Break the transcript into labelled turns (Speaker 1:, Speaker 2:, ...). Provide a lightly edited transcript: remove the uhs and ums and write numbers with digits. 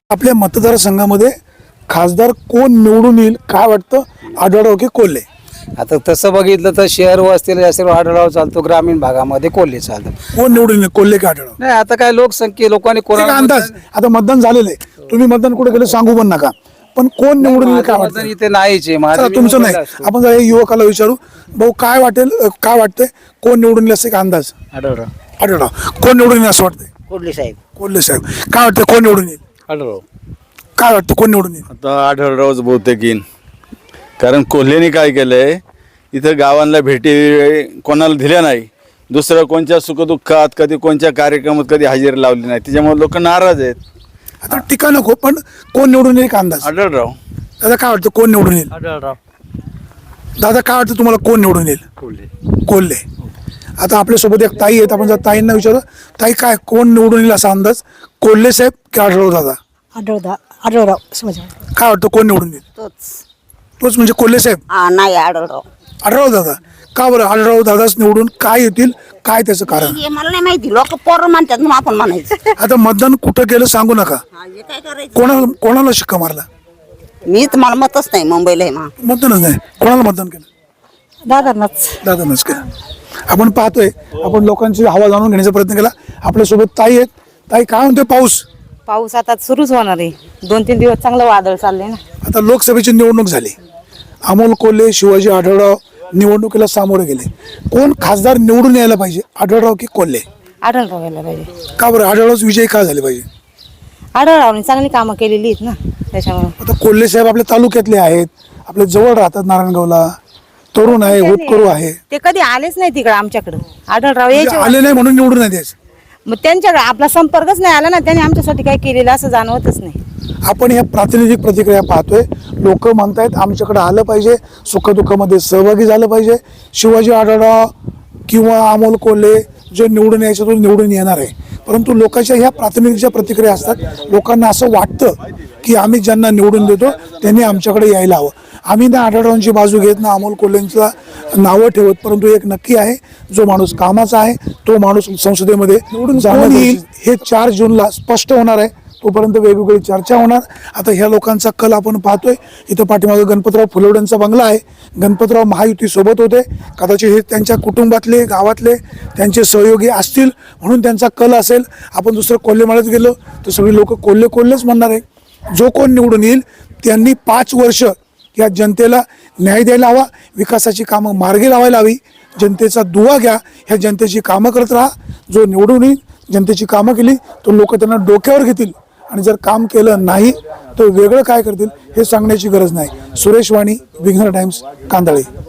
Speaker 1: आपल्या मतदारसंघामध्ये खासदार कोण निवडून येईल काय वाटतं? आढळराव की कोल्हे?
Speaker 2: आता तसं बघितलं तर शहर वस्तीला जास्त आढळराव चालतो, ग्रामीण भागामध्ये कोल्हे चालतो.
Speaker 1: कोण निवडून येईल, कोल्हे की आढळराव?
Speaker 2: नाही आता काय लोकसंख्ये लोकांनी
Speaker 1: एक
Speaker 2: कोणाला
Speaker 1: अंदाज. आता मतदान झालेलं आहे, तुम्ही मतदान कुठे गेलं सांगू पण नका, पण कोण निवडून येईल काय
Speaker 2: मतदान
Speaker 1: वाटतं?
Speaker 2: इथे नाहीच आहे.
Speaker 1: चला, तुमचं नाही, आपण जरा युवकाला विचारू. भाऊ काय वाटेल, काय वाटतंय कोण निवडून येईल असं एक अंदाज?
Speaker 2: आढळराव.
Speaker 1: आढळराव. कोण निवडून येईल असं वाटतंय?
Speaker 3: कोल्हे साहेब.
Speaker 1: कोल्हे साहेब. काय वाटतं कोण निवडून येईल?
Speaker 4: आढळराव.
Speaker 1: काय वाटतं कोण निवडून येईल?
Speaker 4: आता आढळरावच बहुतेक येईन, कारण कोल्हेने काय केलंय इथं गावांना भेटी कोणाला दिल्या नाही. दुसरं कोणत्या सुखदुःखात कधी कोणत्या कार्यक्रमात कधी हजेरी लावली नाही, त्याच्यामुळे लोक नाराज आहेत.
Speaker 1: आता टीका नको, पण कोण निवडून येईल एक अंदाज?
Speaker 4: आढळराव.
Speaker 1: दादा काय वाटतं कोण निवडून येईल?
Speaker 2: आढळराव.
Speaker 1: दादा काय वाटतं तुम्हाला कोण निवडून येईल? कोल्हे. आता आपल्यासोबत एक ताई आहेत, आपण जर ताईंना विचारू, ताई काय कोण निवडून येईल असा अंदाज? कोल्हे साहेब की आढळराव दादा?
Speaker 5: आढळराव समजा.
Speaker 1: काय वाटतं कोण निवडून येईल? तोच म्हणजे कोल्हे साहेब?
Speaker 3: नाही आढळराव.
Speaker 1: आढळराव दादा. का बरं आढळराव दादाच निवडून काय येतील, काय त्याचं कारण?
Speaker 3: हे मला नाही माहिती, लोक पोरं म्हणतात म्हणून आपण म्हणायचं.
Speaker 1: आता मतदान कुठं केलं सांगू नका.
Speaker 3: हे काय करायचं?
Speaker 1: कोणाला शिक्का मारला?
Speaker 3: मी तर मला मतच नाही, मुंबईला आहे मग.
Speaker 1: मतदानच नाही. कोणाला मतदान केलं?
Speaker 5: दादांनाच.
Speaker 1: दादानच केलं. आपण पाहतोय, आपण लोकांची हवा जाणून घेण्याचा प्रयत्न केला. आपल्यासोबत ताई आहेत. ताई काय म्हणते पाऊस?
Speaker 5: पाऊस आता सुरूच होणार आहे, 2-3 दिवस चांगलं वादळ चाललंय ना.
Speaker 1: आता लोकसभेची निवडणूक झाली, अमोल कोल्हे शिवाजी आढळराव निवडणुकीला सामोरे गेले. कोण खासदार निवडून यायला पाहिजे, आढळराव की कोल्हे?
Speaker 5: आढळराव यायला पाहिजे.
Speaker 1: का बरं आढळराव विजयी का झाले पाहिजे?
Speaker 5: आढळरावने चांगली कामं केलेली आहेत ना, त्याच्यामुळे.
Speaker 1: आता कोल्हे साहेब आपल्या तालुक्यातले आहेत, आपल्या जवळ राहतात नारायणगावला, तरुण आहे, होतकरू आहे.
Speaker 5: ते कधी आलेच नाही तिकडे आमच्याकडे. आढळराव
Speaker 1: म्हणजे
Speaker 5: यायचे,
Speaker 1: आले नाही म्हणून निवडून नाही द्यायचं.
Speaker 5: मग त्यांच्याकडे आपला संपर्कच नाही आला ना, त्यांनी आमच्यासाठी काय केलेलं असं जाणवतच नाही.
Speaker 1: आपण ह्या प्रातिनिधिक प्रतिक्रिया पाहतोय. लोक म्हणतायत आमच्याकडे आलं पाहिजे, सुखदुःखामध्ये सहभागी झालं पाहिजे. शिवाजी आढळराव किंवा अमोल कोल्हे जो निवडून यायचं तो निवडून येणार आहे. परंतु लोकांच्या ह्या प्रातिनिधिकच्या प्रतिक्रिया असतात. लोकांना असं वाटतं की आम्ही ज्यांना निवडून देतो त्यांनी आमच्याकडे यायला हवं. आम्ही ना आढळरावांची बाजू घेत ना अमोल कोल्हेंचा नावं ठेवत, परंतु एक नक्की आहे, जो माणूस कामाचा आहे तो माणूस संसदेमध्ये निवडून जाणार येईल हे 4 जूनला स्पष्ट होणार आहे. तोपर्यंत वेगवेगळी चर्चा होणार. आता ह्या लोकांचा कल आपण पाहतोय. इथं पाठीमागे गणपतराव फुलवड्यांचा बंगला आहे. गणपतराव महायुती सोबत होते, कदाचित हे त्यांच्या कुटुंबातले गावातले त्यांचे सहयोगी असतील म्हणून त्यांचा कल असेल. आपण दुसरं कोल्हेमाळ्यात गेलो तर सगळी लोक कोल्हेच म्हणणार आहे. जो कोण निवडून येईल त्यांनी 5 वर्ष या जनतेला न्याय द्यायला हवा, विकासाची कामं मार्गी लावायला हवी. जनतेचा दुवा घ्या, ह्या जनतेची कामं करत राहा. जो निवडून येईल जनतेची कामं केली तो लोक त्यांना डोक्यावर घेतील, आणि जर काम केलं नाही तर वेगळं काय करतील हे सांगण्याची गरज नाही. सुरेश वाणी, विघ्नर टाइम्स, कांदळे.